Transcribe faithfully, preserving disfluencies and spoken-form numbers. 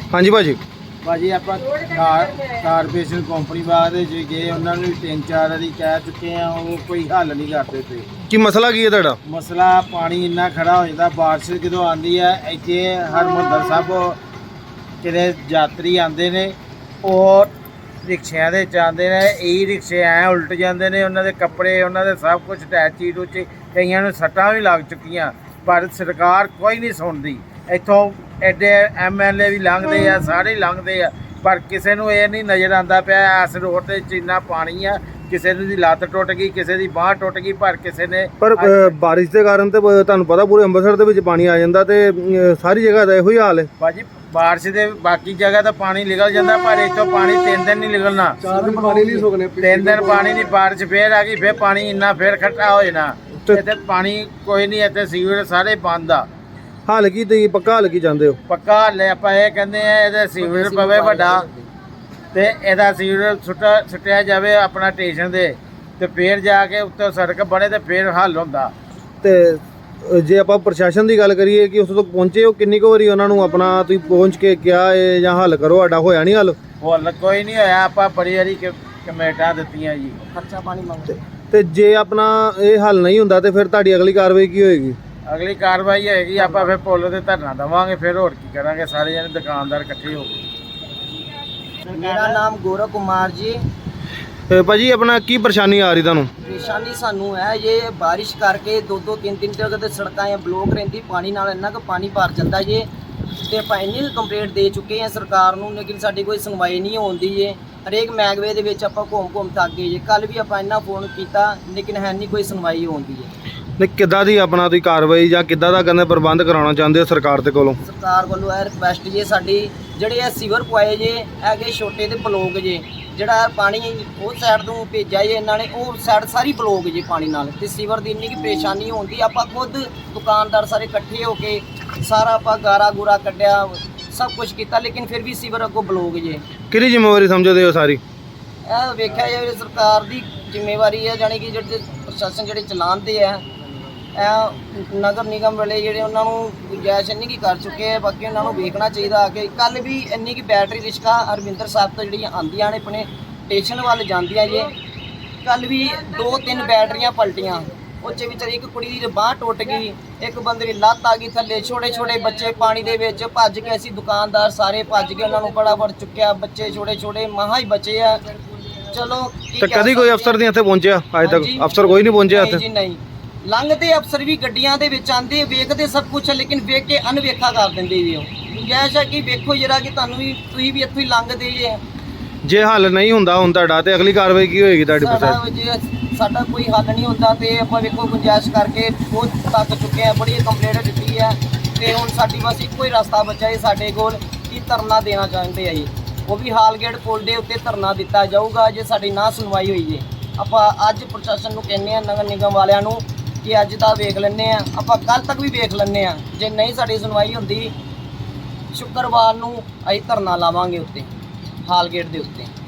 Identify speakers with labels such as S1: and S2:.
S1: हाँ जी भाजी
S2: ਭਾਜੀ ਆਪਾਂ ਕਾਰਪੋਰੇਸ਼ਨ ਕੰਪਨੀ ਬਾਅਦ ਵਿੱਚ ਗਏ, ਉਹਨਾਂ ਨੂੰ ਵੀ ਤਿੰਨ ਚਾਰ ਵਾਰੀ ਕਹਿ ਚੁੱਕੇ ਆ, ਉਹ ਕੋਈ ਹੱਲ ਨਹੀਂ ਕਰਦੇ ਪਏ।
S1: ਕੀ ਮਸਲਾ ਕੀ ਹੈ ਤੁਹਾਡਾ?
S2: ਮਸਲਾ ਪਾਣੀ ਇੰਨਾ ਖੜਾ ਹੋ ਜਾਂਦਾ, ਬਾਰਿਸ਼ ਜਦੋਂ ਆਉਂਦੀ ਹੈ ਇੱਥੇ ਹਰਿਮੰਦਰ ਸਾਹਿਬ ਕਿਤੇ ਯਾਤਰੀ ਆਉਂਦੇ ਨੇ, ਉਹ ਰਿਕਸ਼ਿਆਂ ਦੇ ਜਾਂਦੇ ਨੇ, ਈ ਰਿਕਸ਼ੇ ਐ ਉਲਟ ਜਾਂਦੇ ਨੇ, ਉਹਨਾਂ ਦੇ ਕੱਪੜੇ ਉਹਨਾਂ ਦੇ ਸਭ ਕੁਝ ਟੈਚੀ ਟੂਚੀ, ਕਈਆਂ ਨੂੰ ਸੱਟਾਂ ਵੀ ਲੱਗ ਚੁੱਕੀਆਂ, ਪਰ ਸਰਕਾਰ ਕੋਈ ਨਹੀਂ ਸੁਣਦੀ। ਇੱਥੋਂ ਐਡੇ ਐਮ ਐਲ ਏ ਵੀ ਲੰਘਦੇ ਆ, ਸਾਰੇ ਲੰਘਦੇ ਆ, ਪਰ ਕਿਸੇ ਨੂੰ ਇਹ ਨਹੀਂ ਨਜ਼ਰ ਆਉਂਦਾ ਪਿਆ ਇਸ ਰੋਡ 'ਤੇ ਇੰਨਾ ਪਾਣੀ ਆ, ਕਿਸੇ ਦੀ ਲੱਤ ਟੁੱਟ ਗਈ, ਕਿਸੇ ਦੀ ਬਾਂਹ ਟੁੱਟ ਗਈ, ਪਰ ਕਿਸੇ ਨੇ
S1: ਪਰ ਬਾਰਿਸ਼ ਦੇ ਕਾਰਨ ਤੇ ਤੁਹਾਨੂੰ ਪਤਾ ਪੂਰੇ ਅੰਮ੍ਰਿਤਸਰ ਦੇ ਵਿੱਚ ਪਾਣੀ ਆ ਜਾਂਦਾ ਤੇ ਸਾਰੀ ਜਗ੍ਹਾ ਦਾ ਇਹੋ ਹੀ ਹਾਲ ਹੈ
S2: ਭਾਜੀ। ਬਾਰਿਸ਼ ਦੇ ਬਾਕੀ ਜਗ੍ਹਾ ਤਾਂ ਪਾਣੀ ਨਿਕਲ ਜਾਂਦਾ, ਪਰ ਇੱਥੋਂ ਪਾਣੀ ਤਿੰਨ ਦਿਨ ਨਹੀਂ ਨਿਕਲਣਾ,
S1: ਚਾਰ ਦਿਨ ਪਾਣੀ ਨਹੀਂ ਸੁੱਕਣੇ,
S2: ਤਿੰਨ ਦਿਨ ਪਾਣੀ ਨਹੀਂ, ਬਾਰਿਸ਼ ਫੇਰ ਆ ਗਈ, ਫੇਰ ਪਾਣੀ ਇੰਨਾ ਫੇਰ ਇਕੱਠਾ ਹੋ ਜਾਣਾ। ਇੱਥੇ ਪਾਣੀ ਕੋਈ ਨਹੀਂ, ਇੱਥੇ ਸੀਵਰ ਸਾਰੇ ਬੰਦ ਆ।
S1: ਹਾਲ ਕੀ ਤੁਸੀਂ ਪੱਕਾ ਹਾਲ ਕੀ ਚਾਹੁੰਦੇ ਹੋ?
S2: ਪੱਕਾ ਹੱਲ ਆਪਾਂ ਇਹ ਕਹਿੰਦੇ ਆ, ਇਹਦਾ ਸੀਵਰ ਪਵੇ ਵੱਡਾ ਤੇ ਇਹਦਾ ਸੀਵਰ ਸੁੱਟਾ ਸੁੱਟਿਆ ਜਾਵੇ ਆਪਣਾ ਸਟੇਸ਼ਨ ਦੇ, ਤੇ ਫੇਰ ਜਾ ਕੇ ਉੱਤੇ ਸੜਕ ਬਣੇ ਤੇ ਫੇਰ ਹੱਲ ਹੁੰਦਾ।
S1: ਤੇ ਜੇ ਆਪਾਂ ਪ੍ਰਸ਼ਾਸਨ ਦੀ ਗੱਲ ਕਰੀਏ ਕਿ ਉਸ ਤੱਕ ਪਹੁੰਚੇ ਹੋ, ਕਿੰਨੀ ਕੁ ਵਾਰੀ ਉਹਨਾਂ ਨੂੰ ਆਪਣਾ ਤੁਸੀਂ ਪਹੁੰਚ ਕੇ ਕਿਹਾ ਇਹ ਜਾਂ ਹੱਲ ਕਰੋ, ਸਾਡਾ ਹੋਇਆ ਨਹੀਂ ਹੱਲ?
S2: ਹੱਲ ਕੋਈ ਨਹੀਂ ਹੋਇਆ, ਆਪਾਂ ਬੜੀ ਵਾਰੀ ਕਮੇਟਾਂ ਦਿੱਤੀਆਂ ਜੀ, ਖਰਚਾ ਪਾਣੀ ਮੰਗਦੇ।
S1: ਤੇ ਜੇ ਆਪਣਾ ਇਹ ਹੱਲ ਨਹੀਂ ਹੁੰਦਾ ਤੇ ਫਿਰ ਤੁਹਾਡੀ ਅਗਲੀ ਕਾਰਵਾਈ ਕੀ ਹੋਏਗੀ?
S2: ਅਗਲੀ ਕਾਰਵਾਈ ਹੋਏਗੀ ਆਪਾਂ ਫਿਰ ਪੁੱਲ ਤੇ ਧਰਨਾ ਦੇਵਾਂਗੇ, ਫਿਰ ਹੋਰ ਕੀ ਕਰਾਂਗੇ, ਸਾਰੇ ਜਣੇ ਦੁਕਾਨਦਾਰ ਇਕੱਠੇ ਹੋ ਕੇ।
S3: ਮੇਰਾ ਨਾਮ ਗੌਰਵ ਕੁਮਾਰ ਜੀ।
S1: ਭਾਜੀ ਆਪਣਾ ਕੀ ਪਰੇਸ਼ਾਨੀ ਆ ਰਹੀ ਤੁਹਾਨੂੰ?
S3: ਪਰੇਸ਼ਾਨੀ ਸਾਨੂੰ ਹੈ ਇਹ ਬਾਰਿਸ਼ ਕਰਕੇ ਦੋ ਦੋ ਤਿੰਨ ਤਿੰਨ ਜਗ੍ਹਾ ਤੇ ਸੜਕਾਂ ਇਹ ਬਲੋਕ ਰਹਿੰਦੀ, ਪਾਣੀ ਨਾਲ ਇੰਨਾ ਕੁ ਪਾਣੀ ਭਰ ਜਾਂਦਾ ਜੇ, ਤੇ ਆਪਾਂ ਇੰਨੀ ਕੰਪਲੇਂਟ ਦੇ ਚੁੱਕੇ ਹਾਂ ਸਰਕਾਰ ਨੂੰ, ਲੇਕਿਨ ਸਾਡੀ ਕੋਈ ਸੁਣਵਾਈ ਨਹੀਂ ਹੁੰਦੀ ਜੇ। ਹਰੇਕ ਮਹਿਕਮੇ ਦੇ ਵਿੱਚ ਆਪਾਂ ਘੁੰਮ ਘੁੰਮ ਥੱਕ ਗਏ ਜੇ, ਕੱਲ ਵੀ ਆਪਾਂ ਇੰਨਾ ਫੋਨ ਕੀਤਾ ਲੇਕਿਨ ਹੈ ਨਹੀਂ ਕੋਈ ਸੁਣਵਾਈ ਹੁੰਦੀ ਹੈ।
S1: ਨਹੀਂ ਕਿੱਦਾਂ ਦੀ ਆਪਣਾ ਤੁਸੀਂ ਕਾਰਵਾਈ ਜਾਂ ਕਿੱਦਾਂ ਦਾ ਕਹਿੰਦੇ ਪ੍ਰਬੰਧ ਕਰਾਉਣਾ ਚਾਹੁੰਦੇ ਹੋ ਸਰਕਾਰ ਦੇ ਕੋਲੋਂ?
S3: ਸਰਕਾਰ ਵੱਲੋਂ ਇਹ ਰਿਕੁਐਸਟ ਜੇ ਸਾਡੀ, ਜਿਹੜੇ ਇਹ ਸੀਵਰ ਪੁਆਏ ਜੇ ਹੈਗੇ ਛੋਟੇ ਤੇ ਬਲੋਕ ਜੇ, ਜਿਹੜਾ ਪਾਣੀ ਉਹ ਸਾਈਡ ਤੋਂ ਭੇਜਿਆ ਜੇ ਇਹਨਾਂ ਨੇ, ਉਹ ਸਾਈਡ ਸਾਰੀ ਬਲੋਕ ਜੇ ਪਾਣੀ ਨਾਲ, ਤੇ ਸੀਵਰ ਦੀ ਇੰਨੀ ਕੀ ਪਰੇਸ਼ਾਨੀ ਹੁੰਦੀ। ਆਪਾਂ ਖੁਦ ਦੁਕਾਨਦਾਰ ਸਾਰੇ ਇਕੱਠੇ ਹੋ ਕੇ ਸਾਰਾ ਆਪਾਂ ਗਾਰਾ ਗੂਰਾ ਕੱਢਿਆ, ਸਭ ਕੁਝ ਕੀਤਾ, ਲੇਕਿਨ ਫਿਰ ਵੀ ਸੀਵਰ ਅੱਗੋਂ ਬਲੋਕ ਜੇ।
S1: ਕਿਹੜੀ ਜ਼ਿੰਮੇਵਾਰੀ ਸਮਝਦੇ ਹੋ ਸਾਰੀ?
S3: ਇਹ ਵੇਖਿਆ ਜਾਵੇ ਸਰਕਾਰ ਦੀ ਜ਼ਿੰਮੇਵਾਰੀ ਹੈ, ਜਾਣੀ ਕਿ ਜਿਹੜੇ ਪ੍ਰਸ਼ਾਸਨ ਜਿਹੜੇ ਚਲਾਉਂਦੇ ਆ, ਇਹ ਨਗਰ ਨਿਗਮ ਵਾਲੇ ਜਿਹੜੇ ਉਹਨਾਂ ਨੂੰ ਗੁੰਜਾਇਸ਼ ਇੰਨੀ ਕੀ ਕਰ ਚੁੱਕੇ ਆ, ਬਾਕੀ ਉਹਨਾਂ ਨੂੰ ਵੇਖਣਾ ਚਾਹੀਦਾ ਕਿ ਕੱਲ ਵੀ ਇੰਨੀ ਕੀ ਬੈਟਰੀ ਰਿਕਸ਼ਾ ਹਰਮਿੰਦਰ ਸਾਹਿਬ ਤੋਂ ਜਿਹੜੀਆਂ ਆਉਂਦੀਆਂ ਨੇ ਆਪਣੇ ਸਟੇਸ਼ਨ ਵੱਲ ਜਾਂਦੀਆਂ ਜੇ, ਕੱਲ ਵੀ ਦੋ ਤਿੰਨ ਬੈਟਰੀਆਂ ਪਲਟੀਆਂ, ਉਹ 'ਚ ਵਿਚਾਰੀ ਇੱਕ ਕੁੜੀ ਦੀ ਬਾਂਹ ਟੁੱਟ ਗਈ, ਇੱਕ ਬੰਦੇ ਦੀ ਲੱਤ ਆ ਗਈ ਥੱਲੇ, ਛੋਟੇ ਛੋਟੇ ਬੱਚੇ ਪਾਣੀ ਦੇ ਵਿੱਚ ਭੱਜ ਕੇ, ਅਸੀਂ ਦੁਕਾਨਦਾਰ ਸਾਰੇ ਭੱਜ ਕੇ ਉਹਨਾਂ ਨੂੰ ਫਟਾਫਟ ਚੁੱਕਿਆ, ਬੱਚੇ ਛੋਟੇ ਛੋਟੇ ਮਹਾ ਹੀ ਬਚੇ ਆ। ਚਲੋ
S1: ਤੇ ਕਦੀ ਕੋਈ ਅਫਸਰ ਨਹੀਂ ਇੱਥੇ ਪਹੁੰਚਿਆ? ਅੱਜ ਤੱਕ ਅਫਸਰ ਕੋਈ ਨਹੀਂ ਪਹੁੰਚਿਆ ਇੱਥੇ?
S3: ਜੀ ਨਹੀਂ, ਲੰਘਦੇ ਅਫਸਰ ਵੀ ਗੱਡੀਆਂ ਦੇ ਵਿੱਚ ਆਉਂਦੇ, ਵੇਖਦੇ ਸਭ ਕੁਝ, ਲੇਕਿਨ ਵੇਖ ਕੇ ਅਨਵੇਖਾ ਕਰ ਦਿੰਦੇ ਵੀ ਉਹ। ਗੁੰਜਾਇਸ਼ ਹੈ ਕਿ ਵੇਖੋ ਜਰਾ ਕਿ ਤੁਹਾਨੂੰ ਵੀ, ਤੁਸੀਂ ਵੀ ਇੱਥੋਂ ਹੀ ਲੰਘਦੇ ਜੇ।
S1: ਜੇ ਹੱਲ ਨਹੀਂ ਹੁੰਦਾ ਹੁਣ ਤੁਹਾਡਾ ਤੇ ਅਗਲੀ ਕਾਰਵਾਈ ਕੀ ਹੋਏਗੀ ਤੁਹਾਡੀ?
S3: ਸਾਡਾ ਜੇ ਸਾਡਾ ਕੋਈ ਹੱਲ ਨਹੀਂ ਹੁੰਦਾ ਤੇ ਆਪਾਂ ਵੇਖੋ ਗੁੰਜਾਇਸ਼ ਕਰਕੇ ਬਹੁਤ ਤੱਕ ਚੁੱਕੇ ਆ, ਬੜੀ ਕੰਪਲੇਂਟ ਦਿੱਤੀ ਹੈ, ਤੇ ਹੁਣ ਸਾਡੀ ਬਸ ਇੱਕੋ ਹੀ ਰਸਤਾ ਬਚਿਆ ਹੈ ਸਾਡੇ ਕੋਲ ਕਿ ਧਰਨਾ ਦੇਣਾ ਚਾਹੁੰਦੇ ਆ ਜੀ। ਉਹ ਵੀ ਹਾਲਗੇਟ ਪੁਲ ਦੇ ਉੱਤੇ ਧਰਨਾ ਦਿੱਤਾ ਜਾਊਗਾ ਜੇ ਸਾਡੀ ਨਾ ਸੁਣਵਾਈ ਹੋਈ ਜੇ। ਆਪਾਂ ਅੱਜ ਪ੍ਰਸ਼ਾਸਨ ਨੂੰ ਕਹਿੰਦੇ ਆ, ਨਗਰ ਨਿਗਮ ਵਾਲਿਆਂ ਨੂੰ, ਕਿ ਅੱਜ ਦਾ ਵੇਖ ਲੈਂਦੇ ਆ, ਆਪਾਂ ਕੱਲ ਤੱਕ ਵੀ ਵੇਖ ਲੈਂਦੇ ਆ, ਜੇ ਨਹੀਂ ਸਾਡੀ ਸੁਣਵਾਈ ਹੁੰਦੀ ਸ਼ੁੱਕਰਵਾਰ ਨੂੰ ਅਸੀਂ ਧਰਨਾ ਲਾਵਾਂਗੇ ਉੱਤੇ, ਹਾਲਗੇਟ ਦੇ ਉੱਤੇ।